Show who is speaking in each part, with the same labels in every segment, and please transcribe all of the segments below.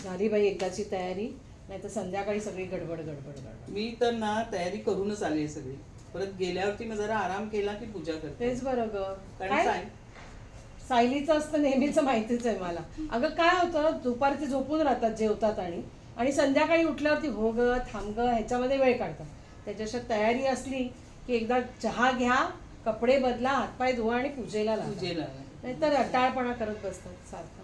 Speaker 1: झाली बाई एकदाची तयारी, नाही तर संध्याकाळी सगळी गडबड गडबड गडबड.
Speaker 2: मी तर ना तयारी करूनच आली सगळी. परत गेल्यावरती मग जरा आराम केला की पूजा करते.
Speaker 1: तेच बरं ग.
Speaker 2: कारण
Speaker 1: काय सायलीचं असतं नेहमीच माहितीच आहे मला. अगं काय होतं, दुपारचे झोपून राहतात जेवतात आणि संध्याकाळी उठल्यावरती हो ग थांब ग ह्याच्यामध्ये वेळ काढतात. त्याच्यापेक्षा तयारी असली की एकदा चहा घ्या, कपडे बदला, हातपाय धुवा आणि पूजेला
Speaker 2: पूजेला
Speaker 1: नाही तर रटाळपणा करत बसतात सारखं.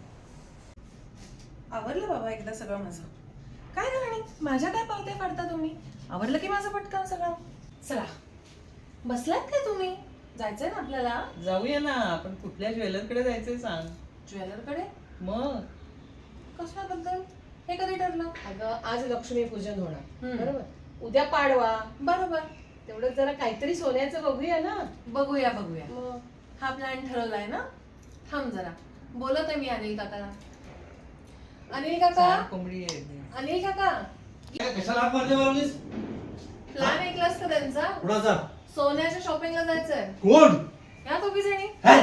Speaker 3: आवरलं बाबा एकदा सगळं माझं. काय राहणी माझ्या काय पावत्या काढता तुम्ही? आवरलं की माझं पटकन सगळं. चला बसलात काय तुम्ही? जायचंय ना आपल्याला
Speaker 2: जाऊया ना. आपण कुठल्या ज्वेलरकडे जायचंय सांग.
Speaker 3: ज्वेलरकडे?
Speaker 2: मग
Speaker 3: कशाबद्दल? हे कधी ठरलं?
Speaker 1: अगं आज लक्ष्मीपूजन होणार
Speaker 3: हम्म.
Speaker 1: बरोबर, उद्या पाडवा,
Speaker 3: बरोबर,
Speaker 1: तेवढं जरा काहीतरी सोन्याचं बघूया ना.
Speaker 3: बघूया बघूया.
Speaker 1: मग
Speaker 3: हा प्लॅन ठरवलाय ना. थांब जरा बोलत आहे मी अनिल काकाला. अनिल काका,
Speaker 2: छान कोंबडी आहे.
Speaker 3: अनिल काका,
Speaker 4: कशाला हात मारले मला मीच?
Speaker 3: प्लॅन ऐकलास का त्यांचा?
Speaker 4: कुणाचा?
Speaker 3: सोन्याच्या शॉपिंगला जायचंय.
Speaker 4: कोण?
Speaker 3: या दोघी जणी.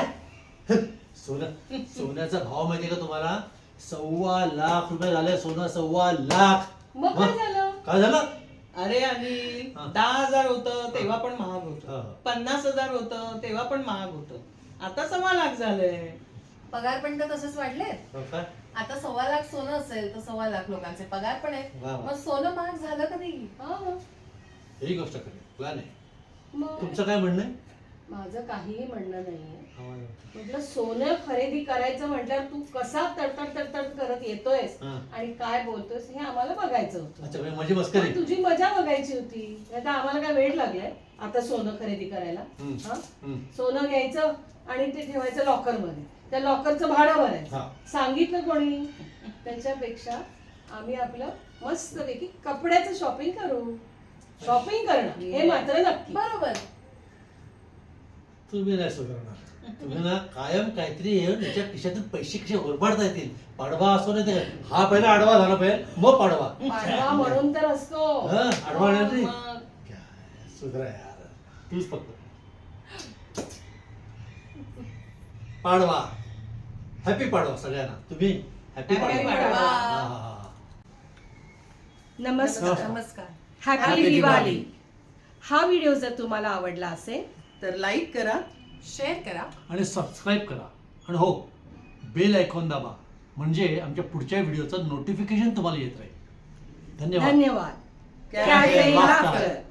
Speaker 4: सोन्याचा भाव माहितीये का तुम्हाला? 1.25 लाख रुपये झाले सोनं. 1.25 लाख.
Speaker 1: मग काय झालं?
Speaker 4: काय झालं?
Speaker 2: अरे आणि
Speaker 4: हा.
Speaker 2: 10,000 होतं तेव्हा पण महाग
Speaker 4: हा.
Speaker 2: होतं. 50,000 होतं तेव्हा पण महाग होतं. आता 1.25 लाख झालंय.
Speaker 3: पगार पण तर तसेच वाढले.
Speaker 4: हो काय?
Speaker 3: आता 1.25 लाख सोनं असेल तर 1.25 लाख लोकांचे पगार पण आहेत.
Speaker 4: वा वा.
Speaker 3: मग सोनं महाग झालं कधी?
Speaker 1: हा,
Speaker 4: ही गोष्ट खरी. प्लॅन आहे.
Speaker 1: मग
Speaker 4: तुमचं काय म्हणणं आहे?
Speaker 1: माझं काहीही म्हणणं नाहीये.
Speaker 4: हा.
Speaker 1: म्हटलं सोनं खरेदी करायचं म्हटल्यावर तू कसा तडतड करत येतोयस
Speaker 4: हा.
Speaker 1: आणि काय बोलतोयस हे आम्हाला बघायचं होतं.
Speaker 4: अच्छा म्हणजे माझी मस्करी.
Speaker 1: पण तुझी मजा बघायची होती. आता आम्हाला काय वेळ लागलाय आता सोनं खरेदी करायला?
Speaker 4: हम्म.
Speaker 1: हा?
Speaker 4: हम्म.
Speaker 1: सोनं घ्यायचं आणि ते ठेवायचं लॉकर मध्ये, त्या लॉकरचं भाडं भरायचं.
Speaker 4: हा.
Speaker 1: सांगितलं कोणी? त्याच्यापेक्षा आम्ही आपलं मस्तपैकी कपड्याचं शॉपिंग करू. शॉपिंग करणं हे मात्र नक्की.
Speaker 3: बरोबर.
Speaker 4: तुम्ही नाही सुधारणार. तुम्ही ना कायम काहीतरी येऊन त्याच्या खिशातून पैसे कसे ओरबाडता येतील. पाडवा असो नाही ते हा पहिला आडवा झाला पाहिजे मग पाडवा.
Speaker 1: पाडवा म्हणून तर असतो.
Speaker 4: हा, आडवा नाही.
Speaker 2: मग
Speaker 4: काय सुधरा यार. तूच फक्त पाडवा. हॅपी पाडवा सगळ्यांना. तुम्ही हॅपी
Speaker 2: Happy
Speaker 4: पाडवा.
Speaker 2: पाडवा.
Speaker 4: हा, हा, हा.
Speaker 1: नमस्कार.
Speaker 3: नमस्कार.
Speaker 1: Happy
Speaker 4: Happy
Speaker 1: Diwali. हा व्हिडिओ जर तुम्हाला आवडला असेल
Speaker 2: तर लाईक करा,
Speaker 3: शेअर करा.
Speaker 4: आणि सबस्क्राईब करा. आणि हो, बेल आयकॉन दाबा म्हणजे आमच्या पुढच्या व्हिडिओचं नोटिफिकेशन तुम्हाला येत राहील. धन्यवाद.
Speaker 1: धन्यवाद.
Speaker 2: क्या
Speaker 1: क्या
Speaker 4: है
Speaker 1: है
Speaker 4: laughter?
Speaker 1: laughter?